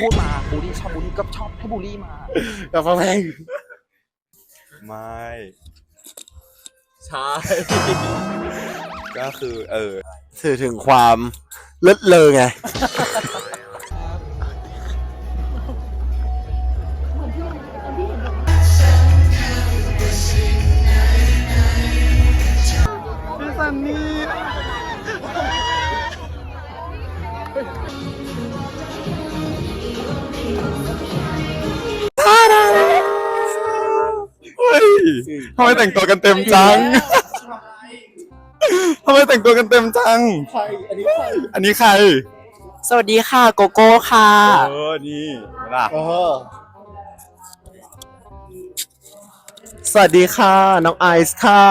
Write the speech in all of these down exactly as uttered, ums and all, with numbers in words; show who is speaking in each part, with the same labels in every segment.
Speaker 1: พูดมาบูลลี่ชอบบูลลี่ก็ชอบให้บูลลี่มา
Speaker 2: อย่าฟังเพลง
Speaker 3: ไม่ใช่ก็คือเออ
Speaker 2: สื่อถึงความเลิศเลอไงพี่ซันนี่
Speaker 3: ทำไมแต่งตัวกันเต็มจังทำไมแต่งตัวกันเต็มจัง
Speaker 2: ใครอันนี้ใคร
Speaker 3: อันนี้ใคร
Speaker 1: สวัสดีค่ะโกโก้ค่ะ
Speaker 3: เออนี่ล่ะ
Speaker 2: เออสวัสดีค่ะน้องไอซ์ค่ะ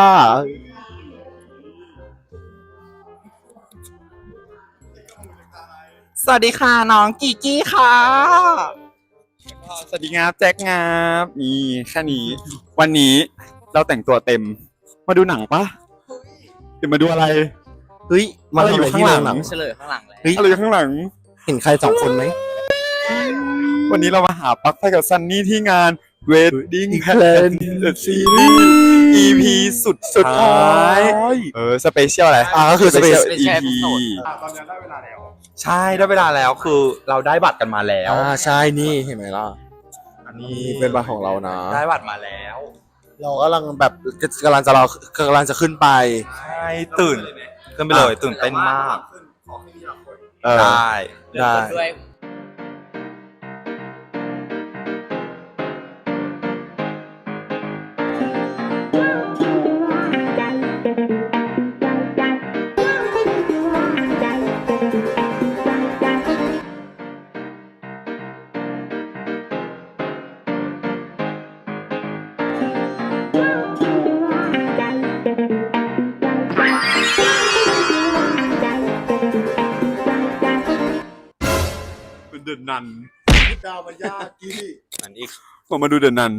Speaker 1: สวัสดีค่ะน้องกีกี้ค่ะ
Speaker 3: สวัสดีงับแจ็คงับนี่แค่นี้วันนี้เราแต่งตัวเต็มมาดูหนังปะหรือมาดูอะไร
Speaker 2: เฮ้ยมาอยู่ข้างหลัง
Speaker 1: เฉลยข้างหลังเลย
Speaker 3: เฮ้ยอะไรอยู่ข้างหลัง
Speaker 2: เห็นใครสองคนไหม
Speaker 3: วันนี้เรามาหาปลั๊กไฟกับซันนี่ที่งาน Wedding Planet Series อี พี สุดสุดท้ายเออสเปเชียลอะไร
Speaker 2: อ่าก็คือสเปเชียล
Speaker 3: อี พี ตอนนี้ได้เวลาแล้วใช่ได้เวลาแล้วคือเราได้บัตรกันมาแล้ว
Speaker 2: อ่าใช่นี่เห็นไหมล่ะ
Speaker 3: อันนี้
Speaker 2: เป็นบัตรของเรานะ
Speaker 3: ได้บัตรมาแล้ว
Speaker 2: เรากำลังแบบกำลังจะเรากำลังจะขึ้นไป
Speaker 3: ใช่ตื่นขึ้นไปเลยตื่นเต้นมากได้
Speaker 2: ได้
Speaker 3: เดินนัน
Speaker 2: ดาวมายากี้
Speaker 3: อันอีกผมมาดูเดินนัน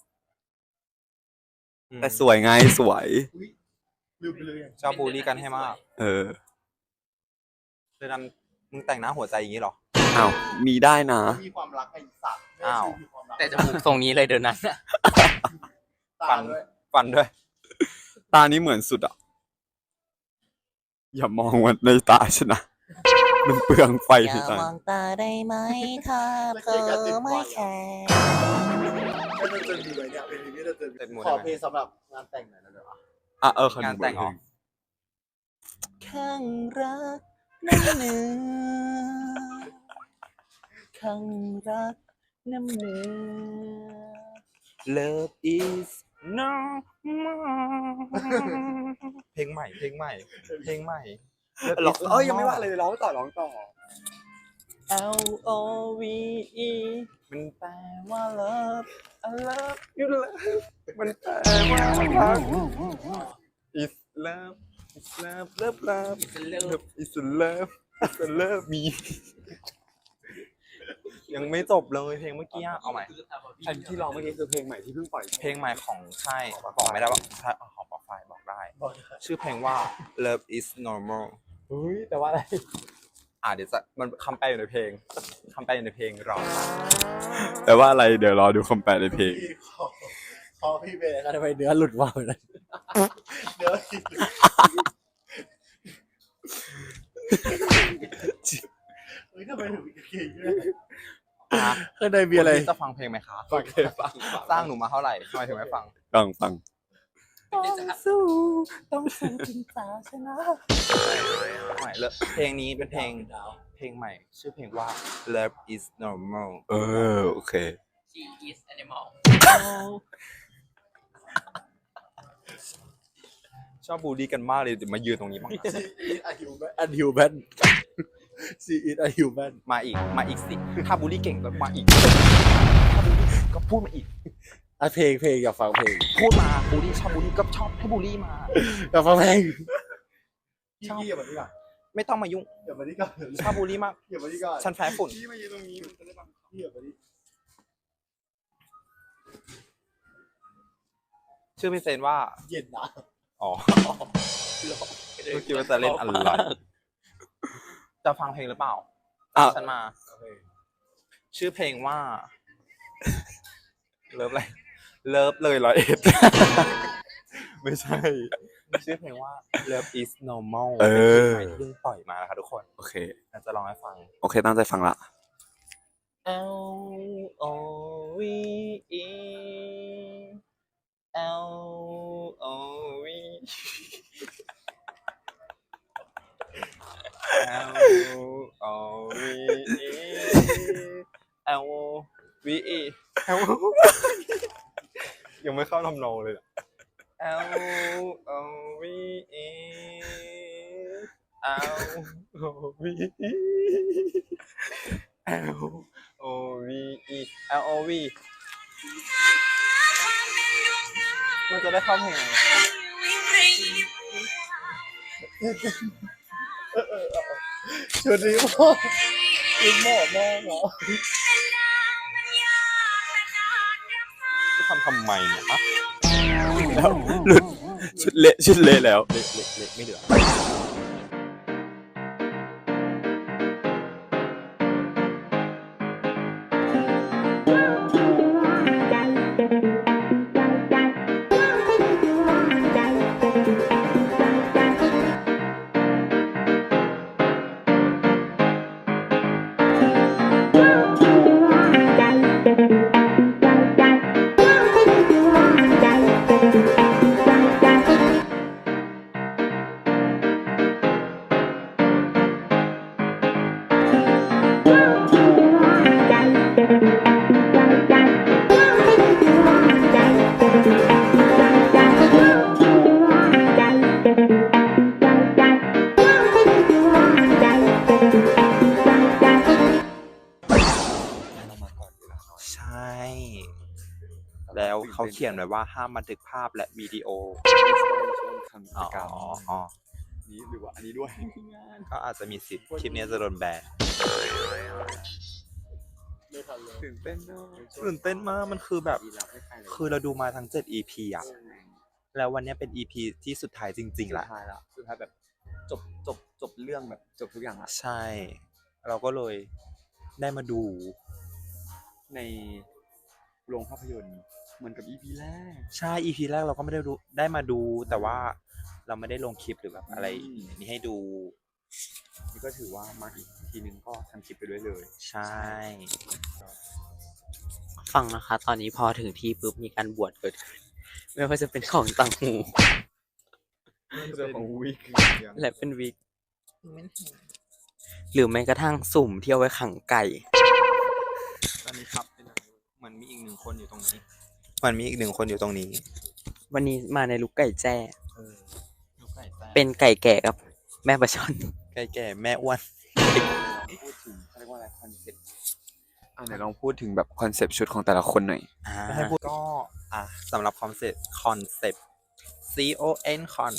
Speaker 3: แต่สวยไงสวยชอบบูลลี่กันให้มากเออเดินนันมึงแต่งหน้าหัวใจอย่างนี้หรออ้าวมีได้นะ
Speaker 2: มีความรักไอ้สัตว์
Speaker 1: อ้าวแต่จมูกทรงนี้เลยเดินนั้น
Speaker 3: ฟันฟันด้วยตานี้เหมือนสุดอ่ะอย่ามองว่าในตาฉันนะมันเปลืองไฟ
Speaker 1: อย่ามองตาได้ไหมถ้าเธอไม่แคร์
Speaker 2: ไม่ต้องจะมีไว้เนี่ยเป็นที่จะเจอขอเพลงสำหรับงานแต่งหน่อยนะเดี๋ยว
Speaker 3: อ่ะเอองานแต่งออก
Speaker 1: ข้างรักน้ำเนื้อข้างรักน้ำเนื้อ Love is no more
Speaker 3: เพลงใหม่เพลงใหม่เพลงใหม่ร้องเอ้ยยังไม่ว่าเลยร้องต่อร้องต่อ
Speaker 1: L O V E มันแปลว่า love I love you love
Speaker 3: มันแปลว่ารัก is love is love love love is love is love is love me ยังไม่จบเลยเพลงเมื่อกี้เอาใหม่ใช่ที่ร้องเมื่อกี้คือเพลงใหม่ที่เพิ่งปล่อยเพลงใหม่ของใช่บอกไม่ได้ว่าใช่ของปอไฟบอกได้ชื่อเพลงว่า Love is normal
Speaker 2: เฮ้ยแต่ว่าอะไร
Speaker 3: อ่าเดี๋ยวจะมันคำแปลอยู่ในเพลงคำแปลอยู่ในเพลงรอแต่ว่าอะไรเดี๋ยวรอดูคำแปลในเพลง
Speaker 2: พอพี่เบย์กันทำไมเนื้อหลุดว่าเลยเนื้อเฮ้ยทำไมถึงเก่งด้วยเคยได้มีอะไร
Speaker 3: จะฟังเพลงไหมคะ
Speaker 2: ฟังเคยฟัง
Speaker 3: สร้างหนูมาเท่าไหร่ทำไมถึงไม่ฟัง
Speaker 2: ฟังฟัง
Speaker 1: ต้องสู้ต้องสู้จนฟ้าชนะ
Speaker 3: ใหม่เลยเพลงนี้เป็นเพลงเพลงใหม่ชื่อเพลงว่า Love is normal เออโอเค
Speaker 1: She is animal
Speaker 3: ชอบบูลลี่กันมากเลยมายืนตรงนี้บ้าง
Speaker 2: She is a human a human She is a human
Speaker 3: มาอีกมาอีกสิถ้าบูลลี่เก่งก็มาอีกถ้าบูลลี่ก็พูดมาอีก
Speaker 2: อ่ะเพลงเพลงอยากฟังเพลง
Speaker 1: พูดมาบูลลี่ชอบบูลลี่ก็ชอบให้บูลลี่มา
Speaker 2: อยากฟังเพลงชอบอย่ามาดีกว่า
Speaker 3: ไม่ต้องมายุ่ง
Speaker 2: อย่ามาดีกว่า
Speaker 3: ชอบบูลลี่มาก
Speaker 2: อย่ามาดีกว่า
Speaker 3: ฉันแพ้ฝุ่น
Speaker 2: พี่มายืนตรงนี้มันจะได้ฟังพี่อย่ามาดี
Speaker 3: ชื่อพี่เซนว่า
Speaker 2: เย็นนะ
Speaker 3: อ๋อเมื่อกี้ว่าจะเล่นอะไรจะฟังเพลงหรือเปล่าฉันมาชื่อเพลงว่า เลิฟอะไรเลิฟเลยร้อยเอ็ด ไม่ใช่ ชื่อเพลงว่า Love is normal
Speaker 1: เออ
Speaker 3: เป็นเพลงใหม่ที่เพิ่งปล่อยมานะคะทุกคน
Speaker 1: โอเค
Speaker 3: เราจะลองให้ฟัง
Speaker 1: โอเค ตั้งใจฟังละ
Speaker 3: L O V E L O V L O V E L O V E L ยังไม่เข้าทำนองเลย L O V E L O V E L O V E L O V มันจะได้เข้าเพลงไหน
Speaker 2: ชุดนี้พ่อชุดเหมาะมากเหรอ
Speaker 3: จะทำทำไมเนี่ยฮะ
Speaker 1: แล้วหลุดชุดเละชุดเละแล้ว
Speaker 3: เล็กเล็กเล็กไม่เหลือ ใช่ แล้วเขาเขียนไว้ว่าห้ามบันทึกภาพและวิดีโอ
Speaker 1: ทำกิ
Speaker 3: อ๋
Speaker 1: จกรรม
Speaker 3: ออ๋อ
Speaker 1: นี้หรือว่าอันนี้ด้วย
Speaker 3: ก็อาจจะมีสิทธิ์คลิปนี้จะโดนแบน
Speaker 2: ไม่ทันเลย
Speaker 1: ตื่นเต้นเนอะ
Speaker 3: ตื่นเต้นมากมันคือแบบ
Speaker 1: ดีแล้วไม่ใครเลย
Speaker 3: คือเราดูมาทั้งเจ็ด อี พี อ่ะ แล้ววันนี้เป็น อี พี ที่สุดท้ายจริงๆ
Speaker 1: สุ
Speaker 3: ละ
Speaker 1: ดท้ายละสุดท้ายแบบจบจบจบเรื่องแบบจบทุกอย่างละ
Speaker 3: ใช่ เราก็เลยได้มาดู
Speaker 1: ในโรงภาพยนตร์เหมือนกับ อี พี แรก
Speaker 3: ใช่ อี พี แรกเราก็ไม่ได้ดูได้มาดู แต่ว่าเราไม่ได้ลงคลิปหรือแบบอะไร
Speaker 1: อืม
Speaker 3: นี้ให้ดู
Speaker 1: นี่ก็ถือว่ามาอีกทีนึงก็ทำคลิปไปด้วยเลย
Speaker 3: ใช่
Speaker 4: ฟังนะคะ ตอนนี้พอถึงที่ปุ๊บมีการบวชเกิดขึ้น ไม่ว่าจะเป็นของต่างหู
Speaker 1: เรื่องของวิก
Speaker 4: และเป็นวิก หรือแม้กระทั่งสุ่มที่เอาไว้ขังไก่
Speaker 3: ตอนนี้ครับเหมือนมีอีกหนึ่งคนอยู่ตรงนี้เหมันมีอีกหนึ่งคนอยู่ตรงนี้
Speaker 4: วันนี้มาในลุกไก่แจ้
Speaker 3: เออลูกไก่แต้ม
Speaker 4: เป็นไก่แก่กับแม่ปลาช่อน
Speaker 3: ไก่แก่แม่อ้วน
Speaker 1: พูดถึงเขาเรียกว่าอะไรคอนเซ็ปต์อ่าไหนลองพูดถึงแบบคอนเซ็ปต์ชุดของแต่ละคนหน่อย
Speaker 4: อ่า
Speaker 3: ไม่ให้พูดก็อ่ะสำหรับคอนเซ็ปต์คอนเซ็ปต์ C O N con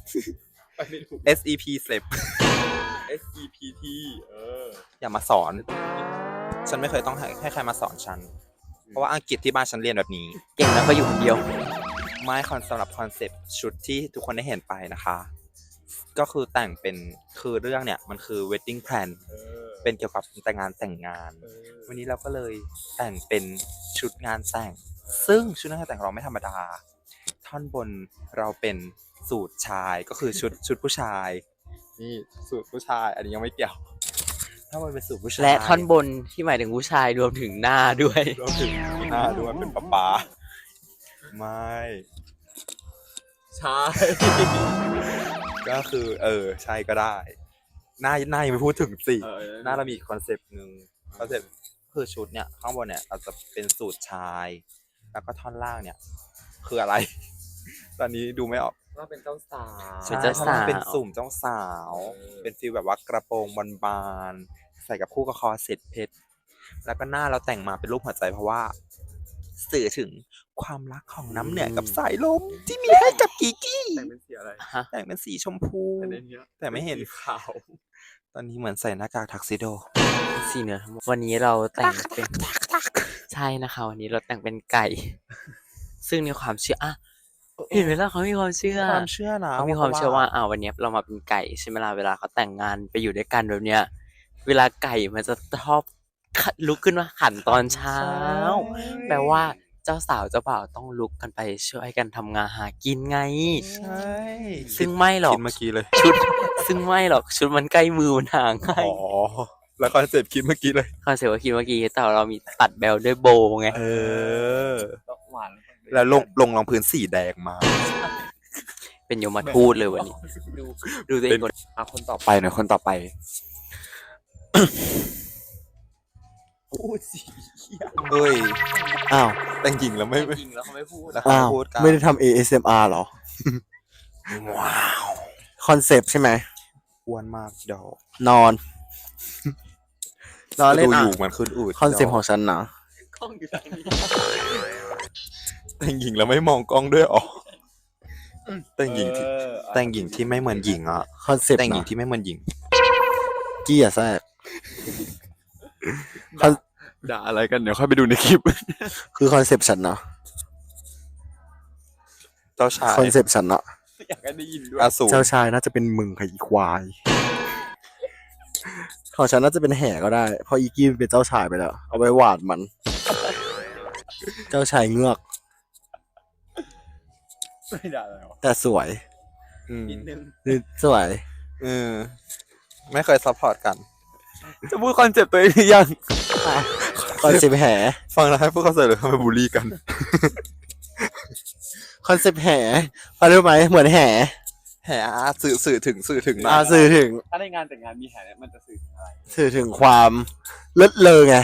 Speaker 3: S E P เซป
Speaker 1: S E P T เออ
Speaker 3: อย่ามาสอน ฉันไม่เคยต้องให้ให้ใครมาสอนฉัน เพราะว่าอังกฤษที่บ้านฉันเรียนแบบนี้
Speaker 4: เก่งแล้วก็อยู่คนเดียว
Speaker 3: ไม่คอนสำหรับคอนเซปต์ชุดที่ทุกคนได้เห็นไปนะคะ ก็คือแต่งเป็นคือเรื่องเนี่ยมันคือ wedding plan
Speaker 1: เออ
Speaker 3: เป็นเกี่ยวกับแต่งงานแต่งงาน
Speaker 1: เออ
Speaker 3: วันนี้เราก็เลยแต่งเป็นชุดงานแต่ง ซึ่งชุดงานแต่งของเราไม่ธรรมดา ท่อนบนเราเป็นสูทชายก็คือชุดชุดผู้ชาย นี่สูทผู้ชาย อันนี้ยังไม่เกี่ยวท่อนบนเป็นสูทผู้ชาย
Speaker 4: และท่อนบนที่หมายถึงผู้ชายรวมถึงหน้าด้วย
Speaker 3: รวมถึงหน้าด้วยเป็นป๊าป๊าไม่
Speaker 1: ใช่
Speaker 3: ก็คือเออใช่ก็ได้ หน้าหน้ายังไม่พูดถึงสิ
Speaker 1: เออ
Speaker 3: หน้าเรามีคอนเซปต์หนึ่งคอนเซปต์คือชุดเนี่ยข้างบนเนี่ยเราจะเป็นสูทชาย แล้วก็ท่อนล่างเนี่ย คืออะไร ตอนนี้ดูไม่ออก
Speaker 1: ว่าเป็นเจ้าสาว
Speaker 4: เป็นเจ้าสาว
Speaker 3: ท่อนล่งเป็นสุ่มเจ้าสาว
Speaker 1: เออ
Speaker 3: เป็นฟีลแบบว่ากระโปรงบานๆใส่กับคู่กับคอเซ็ตเพชรแล้วก็หน้าเราแต่งมาเป็นรูปหัวใจเพราะว่า สื่อถึงความรักของน้ำเหนือกับสายลมที่มีให้กับกีกี้
Speaker 1: แต่งเป็นสีอะไร
Speaker 4: ฮะ
Speaker 3: แต่งเป็นสีชมพู
Speaker 1: แต่ในเนี้ย
Speaker 3: แต่ไม่เห็น
Speaker 1: ป็สีขาว
Speaker 3: ตอนนี้เหมือนใส่หน้ากากทักซิโด
Speaker 4: สีเหนือทั้งหมดวันนี้เราแต่งเป็น ใช่นะคะ วันนี้เราแต่งเป็นไก่ ซึ่งในความเชื่ออ่ะเห็นไหมล่ะเขามีความเชื่อ
Speaker 3: ความเชื่อนะ
Speaker 4: เขามีความเชื่อว่าอ่าวันเนี้ยเรามาเป็นไก่ใช่ไหมล่ะเวลาเขาแต่งงานไปอยู่ด้วยกันแบบเนี้ย เวลาไก่มันจะชอบลุกขึ้นมาขันตอนเช้า แปลว่าเจ้าสาวเจ้าบ่าวต้องลุกกันไปช่วยกันทำงานหากินไง
Speaker 3: ใช่
Speaker 4: ซึ่งไม่หรอก
Speaker 3: คิดเมื่อกี้เลย
Speaker 4: ชุด ซึ่งไม่หรอกชุดมันใกล้มือมันห่างง่าย
Speaker 3: อ๋อ แล้วคอนเซ็ปต์คิดเมื่อกี้เลย
Speaker 4: คอนเซ็ปต์ว่าคิดเมื่อกี้แต่เรามีตัดแบลด้วยโบว์ไง
Speaker 3: เออ
Speaker 1: หวาน
Speaker 3: แล้วลงลงรองพื้นสีแดงมา
Speaker 4: เป็นโยมทูตเลยวันนี้
Speaker 1: ดู
Speaker 4: ดูตัวเองก่อน
Speaker 1: เอาคนต่อไป
Speaker 3: ไปหน่อยคนต่อไป
Speaker 1: พูดสิ
Speaker 3: เอ้ย
Speaker 2: อ้าว
Speaker 3: แต่งหญิงแล้วไม่ไม่
Speaker 4: จริงแล้วเขาไม่พูด
Speaker 3: แล้วเขา
Speaker 2: อ้าว
Speaker 3: พูดกัน
Speaker 2: ไม่ได้ทำ เอ เอส เอ็ม อาร์ เหรอ
Speaker 3: ว้าว
Speaker 2: คอนเซปต์ใช่ไหม
Speaker 3: อ้วนมากดอก
Speaker 2: นอน นอนเล่น
Speaker 3: ดู
Speaker 2: อ่ะ
Speaker 3: อยู่มันขึ้นอืด
Speaker 2: คอนเซปต์ของฉันนะ
Speaker 4: กล้องอยู่ตรงนี้
Speaker 3: แต่งหญิงแล้วไม่มองกล้องด้วยอ๋อแต่งหญิงที่แต่งหญิงที่ไม่เหมือนหญิงอ่ะ
Speaker 2: คอนเซปต์
Speaker 3: แต่งหญิง
Speaker 2: นะ
Speaker 3: ที่ไม่เหมือนหญิง
Speaker 2: กี้อย่าแทรกคอน
Speaker 3: ด่าอะไรกันเดี๋ยวค่อยไปดูในคลิป
Speaker 2: คือคอนเซปต์ฉันนะ
Speaker 3: เจ้าชาย
Speaker 2: คอนเซปต์ฉันนะ
Speaker 3: อยากให้ได้ยินด้วยอสูร
Speaker 2: เจ้าชายน่าจะเป็นมึงค่ะอีควาย ของฉันน่าจะเป็นแห่ก็ได้ เพราะอีกี้เป็นเจ้าชายไปแล้ว เอาไว้หวาดมัน เจ้าชายเงือก
Speaker 1: ไม่ด่าอะไรหรอ
Speaker 2: แต่สวย
Speaker 3: อืม
Speaker 1: นิดนึง
Speaker 2: นี่สวย
Speaker 3: เออไม่เคยซัพพอร์ตกัน จะพูดคอนเซ็ปต์ตัวเองหรือยัง
Speaker 2: คอนเซปต์แห่
Speaker 3: ฟังแล้วให้พวกเขาเสร็จเลยเขาไปบูลลี่กัน
Speaker 2: คอนเซปต์แห่พอรู้ไหมเหมือนแห่
Speaker 3: แหมสื่อสื่อถึงสื่อถึงหน่
Speaker 2: อา
Speaker 3: อย
Speaker 2: สื่อถึง
Speaker 1: ถ้าในงานแต่งงานมีแห่เนี่ยมันจะสื่อถึงอะไร
Speaker 2: สื่อถึงความเลิศเลอไง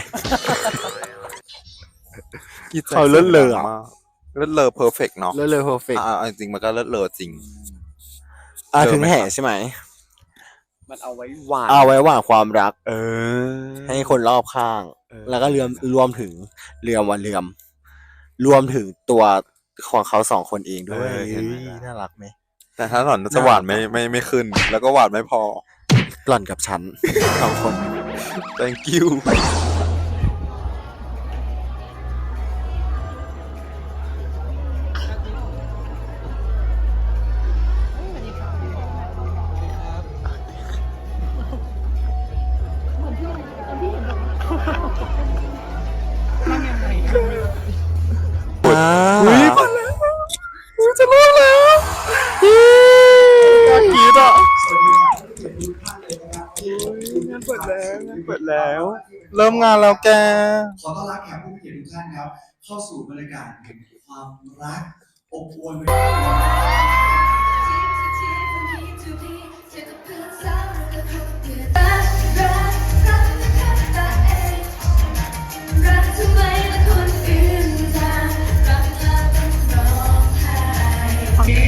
Speaker 2: เขาเลิศเลออะ
Speaker 3: มากเลิศเลอเพอร์เฟกเนาะ
Speaker 2: เลิศเลอเพอร์เฟกต์
Speaker 3: อ่าจริงๆมันก็เลิศเลอจริง
Speaker 2: อ่า
Speaker 3: เลอ
Speaker 2: ถึง
Speaker 3: ไหม
Speaker 2: แห่
Speaker 3: ครับ
Speaker 2: ใช่ไหม
Speaker 1: มันเอาไว้หวาน
Speaker 2: เอาไว้หว่างความรัก
Speaker 3: เออ
Speaker 2: ให้คนรอบข้าง
Speaker 3: เออ
Speaker 2: แล้วก็เรื่อมรวมถึงเรื่อมวันเรื่อม รวมถึงตัวของเขาสองคนเองด้วย
Speaker 3: เออเห็นไหม
Speaker 2: เฮ้ยน่ารักไหม
Speaker 3: แต่ถ้าหล่อนจะหวานไม่ไม่ไม่ขึ้น แล้วก็หวานไม่พอ
Speaker 2: หล่อนกับฉัน สองคน
Speaker 3: thank you
Speaker 2: อ่า
Speaker 3: อุ้ยมาแล้วอุ้ยจะรอดแล้วกล้ากรีดอ่ะงานเปิดแล้วงานเปิดแล้ว เริ่มงานแล้วแก
Speaker 5: ขอต้อนรับแขกผู้มีเกียรติทุกท่านครับ เข้าสู่บรรยากาศแห่งความรักอบอวลไปด้วย
Speaker 6: รักทำไมและคนอื่นทางรักเธอต้องร้องไห้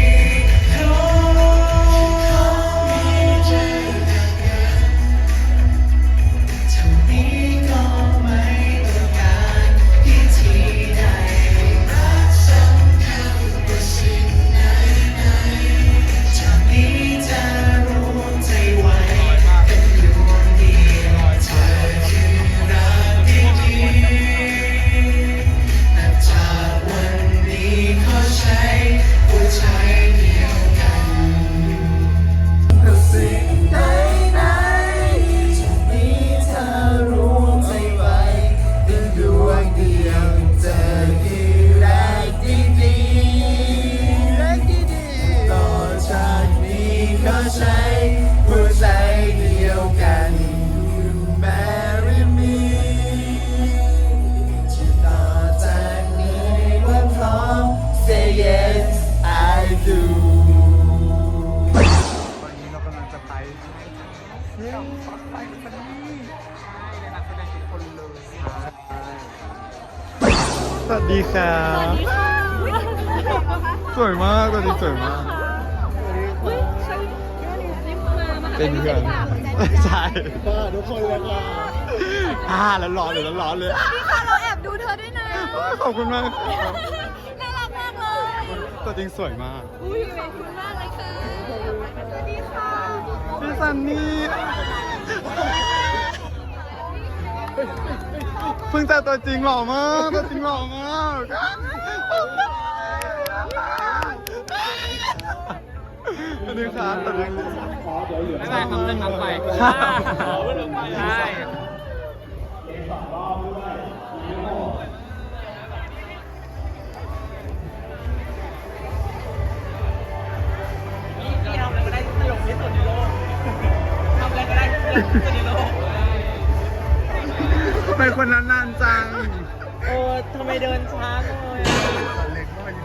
Speaker 7: สวัสดีครับสวยมากตอนนี้สวยมาก เป็นเพื่อนใช่ทุกคนเลยค่ะอ่าแล้วร้อนเลยแล้วร้อนเลย
Speaker 6: นี่ค่ะเราแอบดูเธอด้วยนะ
Speaker 7: ขอบคุณมากครับ
Speaker 6: น่ารักมากเลย
Speaker 7: ตัวจริงสวยมาก
Speaker 6: อุ้ยขอบคุณมากเลยค่ะสวัสดีค่ะ
Speaker 7: พี่ซันนี่เพิ่งเจอตัวจริงหล่อมากตัวจริงหล่อมากสวัสดีครับสวัสดีครับ
Speaker 1: ไม่ได้คำเรื่องน้ำไป
Speaker 7: ใช่
Speaker 1: ใช่
Speaker 7: เป็นคนนั้นนานจัง
Speaker 4: เออทำไมเดินช้าจังเลยอะ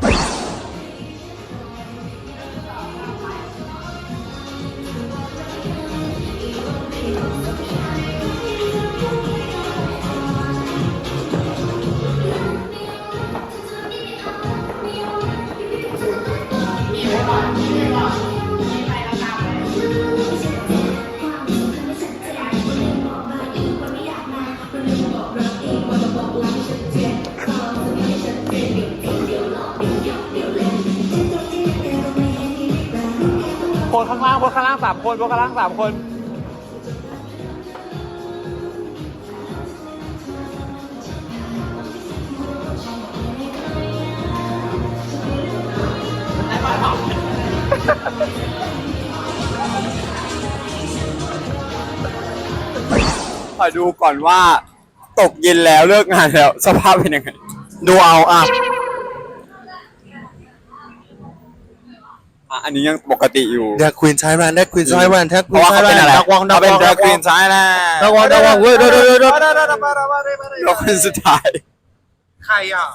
Speaker 1: คนข้างล่างคนข้างล่างสามคนคนข้างล่างสามคน
Speaker 3: ขอดูก่อนว่าตกเย็นแล้วเลิกงานแล้วสภาพเป็นยังไง
Speaker 2: ดูเอาอ่ะ
Speaker 3: อ่ะอันนี้ยังปกติอยู่
Speaker 2: แดกควีนใช้แวนแดกควีนใช้แวนแท็กค
Speaker 3: เพ
Speaker 2: วีน
Speaker 3: ราะว่า
Speaker 2: ใช้
Speaker 3: เขา
Speaker 2: แว
Speaker 3: เป็น
Speaker 2: น
Speaker 3: อะไร
Speaker 2: ดักวองดัก
Speaker 3: เขา
Speaker 2: ว
Speaker 3: เป็น
Speaker 2: อง
Speaker 3: ด
Speaker 2: ดั
Speaker 3: ราก ก
Speaker 2: ว
Speaker 3: ควี
Speaker 2: อง
Speaker 3: นใช่แล้ว
Speaker 2: ดักวองดักวองเว้ยเดี๋ยวเดี๋ยวเดี๋ยว
Speaker 3: เราคนสุดท้าย
Speaker 7: ใครอ่ะ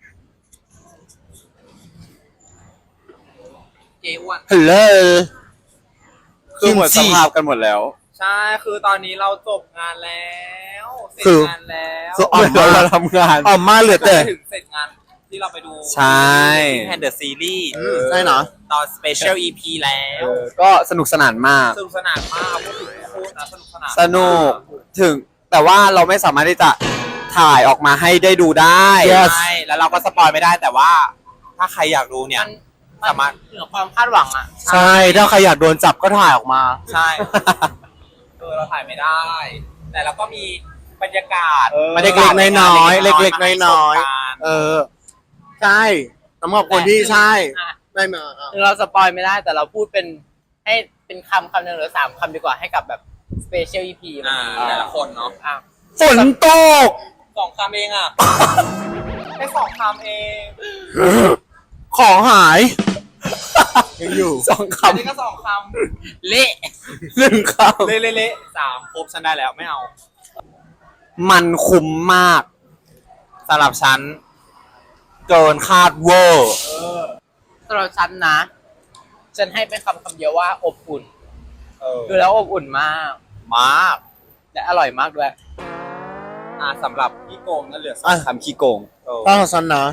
Speaker 4: เจ๊อ้วน
Speaker 2: ฮัลโหล
Speaker 3: คือหมดสภาพกันหมดแล้ว
Speaker 1: ใช่ คือตอนนี้เราจบงานแล้วเสร็จ
Speaker 2: คือ
Speaker 1: งานแล้ว
Speaker 2: คือ
Speaker 3: ออกมาเราทำงาน
Speaker 2: ออกมาเหลือแต่
Speaker 1: ถึงเสร็จงานที่เราไปดู
Speaker 3: ใช่
Speaker 1: แอนเดอร์ซีรีส์
Speaker 2: ใช่เนาะ
Speaker 1: ตอนสเปเชียลอีพีแล้ว
Speaker 3: ก็สนุกสนานมาก
Speaker 1: สนุกสนานมากพูดถึงพูดนะสนุกสนาน
Speaker 3: สนุกถึงแต่ว่าเราไม่สามารถที่จะถ่ายออกมาให้ได้ดูได้
Speaker 2: Yes
Speaker 1: ใช่แล้วเราก็สปอยไม่ได้แต่ว่า ถ้าใครอยากดูเนี่ยสามารถ
Speaker 4: เหนือความคาดหวังอ่ะ
Speaker 2: ใช่ถ้าใครอยากโดนจับก็ถ่ายออกมา
Speaker 1: ใช่ เออเราถ่ายไม่ได้ แต่เราก็มีบรรยากาศ
Speaker 2: เล็กๆน้อยๆเล็กๆน้อยๆเออ ใช่สำหรับคนที่ใช่
Speaker 4: อ่ะ
Speaker 2: ได้มาอ่ะ
Speaker 4: ถึงเราสปอยไม่ได้แต่เราพูดเป็นให้เป็นคำคำหนึ่งหรือสามคำดีกว่าให้กับแบบสเปเชียลอีพี
Speaker 1: อ่าแต่ละคนเนาะ
Speaker 4: อ่ะ
Speaker 2: ฝนตก
Speaker 1: สองคำเองอ่ะ แค่สองคำเอง
Speaker 2: ของหายยังอยู่
Speaker 3: สอง
Speaker 1: อันนี้
Speaker 3: คำ
Speaker 1: ก็สองค
Speaker 4: เละ
Speaker 3: หนึ่งค
Speaker 1: ำเละเละเละสามครบฉันได้แล้วไม่เอา
Speaker 3: ำมันคุ้มมากสำหรับฉัน เกินคาดเวอร์
Speaker 4: สำหรับฉันนะ ฉันให้เป็นคำคำเดียวว่าอบอุ่น
Speaker 1: เออ
Speaker 4: ดูแล้วอบอุ่นมาก
Speaker 1: มาก
Speaker 4: และอร่อยมากด้วย
Speaker 1: อ่าสำหรับพี่โกงนั่นเหลือสอง
Speaker 2: อ่ะ
Speaker 3: คำขี้โกง
Speaker 1: เออ
Speaker 2: ถ้าของฉันนะ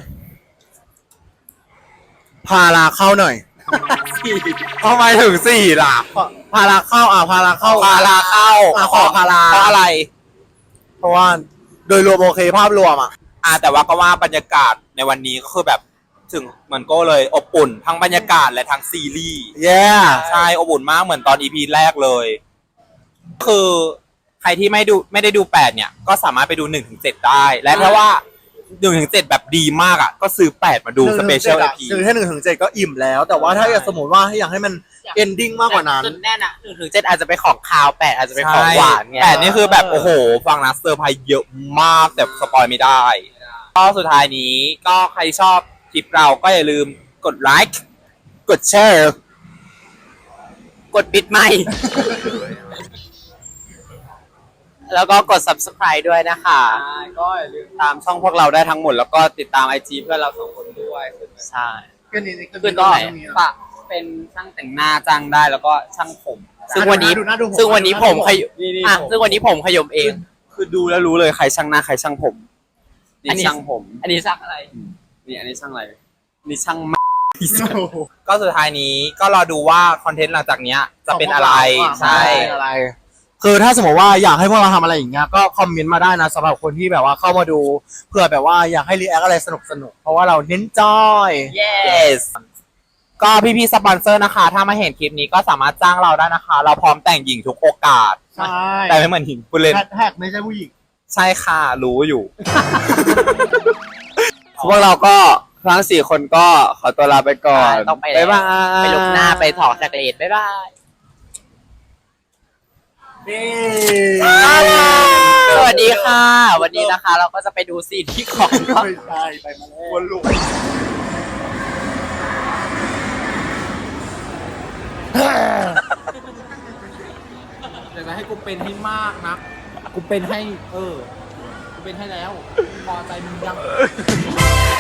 Speaker 2: พาราเข้าหน่อย
Speaker 3: ทำไมถึงสี่ล่ะ
Speaker 2: พาราเข้าอ่ะพาราเข้า
Speaker 3: พาราเข้า
Speaker 2: อ่ะขอพารา
Speaker 3: เพราะอะไร
Speaker 2: เพราะว่าโดยรวมโอเคภาพรวมอ่ะ
Speaker 1: อ่าแต่ว่าก็ว่าบรรยากาศในวันนี้ก็คือแบบถึงเหมือนโก็เลยอบอุ่นทั้งบรรยากาศและทั้งซีรีส์
Speaker 2: แย่
Speaker 1: ใช่อบอุ่นมากเหมือนตอนอีพีแรกเลย คือใครที่ไม่ดูไม่ได้ดูแปดเนี่ย ก็สามารถไปดูหนึ่งถึงเจ็ดได้ และถ้าว่าหนึ่งถึงเจ็ดแบบดีมากอ่ะ ก็ซื้อแปดมาดูสเปเชียล
Speaker 2: ห
Speaker 1: อี
Speaker 2: นึ่ง
Speaker 1: พี
Speaker 2: ถึงแค่หนึ่งถึงเจ็ดก็อิ่มแล้ว แต่ว่าถ้าอยากสมมติว่าให้อยากให้มันเอนดิ้งมากกว่านั้น
Speaker 4: จุดแน่นอ่ะหนึ่งถึงเจ็ดอาจจะเป็นของคาวแปดอาจจะเป็นของหวานไง
Speaker 1: แปดนี่คือแบบโอ้โห ฟังนะเซอร์ไพรส์เยอะมากแต่สปอยไม่ได้ ก็สุดท้ายนี้ก็ใครชอบคลิปเราก็อย่าลืมกดไลค์กดแชร์
Speaker 4: กดปิดไม่แล้วก็กด subscribe ด้วยนะคะ
Speaker 1: ก็อย่าลืมตามช่องพวกเราได้ทั้งหมด แล้วก็ติดตามไอจีเพื่อนเราสองคนด้วย
Speaker 4: ใช่
Speaker 2: ก็นี่นี่
Speaker 4: ขึ้นตรงไหน
Speaker 1: ปะเป็นช่างแต่งหน้าจ้างได้แล้วก็ช่างผม
Speaker 4: ซึ่งวันนี้
Speaker 2: ดูหาดูผม
Speaker 4: ซึ่งวันนี้ผมขย
Speaker 1: นี่นี่
Speaker 4: อ่ะ
Speaker 1: ผม
Speaker 4: ซึ่งวันนี้ผมขยมเอง
Speaker 3: คือดูแล้วรู้เลยใครช่างหน้าใครช่างผม
Speaker 4: อันนี้
Speaker 3: นี่ช่างผม
Speaker 4: อันนี้ซักอะไร
Speaker 3: นี่อันนี้ช่างอะไร นี่ช่าง
Speaker 1: ก็สุดท้ายนี้ก็รอดูว่าคอนเทนต์หลังจากเนี้ยจะเป็นอะไร
Speaker 2: ใช่
Speaker 1: ใช่
Speaker 2: อะไร คือถ้าสมมติว่าอยากให้พวกเราทำอะไรอย่างเงี้ยก็คอมเมนต์มาได้นะสำหรับคนที่แบบว่าเข้ามาดูเพื่อแบบว่าอยากให้รีแอคอะไรสนุกสนุกๆเพราะว่าเราเน้นจอย
Speaker 1: yes ก็พี่ๆสปอนเซอร์นะคะ ถ้ามาเห็นคลิปนี้ก็สามารถจ้างเราได้นะคะ เราพร้อมแต่งหญิงทุกโอกาส
Speaker 2: ใช่
Speaker 1: แต่ไม่เหมือนหญิงผู้เล่น
Speaker 2: แฮชแท็กไม่ใช่ผู้หญิง
Speaker 1: ใช่ค่ะ รู้อยู่
Speaker 3: พวกเราก็ทั้งสี่คนก็ขอตัวลาไปก่อน
Speaker 4: ต้องไปแล้ว
Speaker 3: บ๊ายบาย
Speaker 4: ไปลุกหน้าไปถอดจากเลดบ๊ายบาย
Speaker 2: นี่
Speaker 4: สวัสดีค่ะ วันนี้นะคะ เราก็จะไปดูซีนที่ของ
Speaker 2: ไม่ใช่ไปมาแล้ววนลูก
Speaker 1: อยากจะให้กูเป็นให้มากนะกูเป็นให้ เออ กูเป็นให้แล้ว พอใจมึงยัง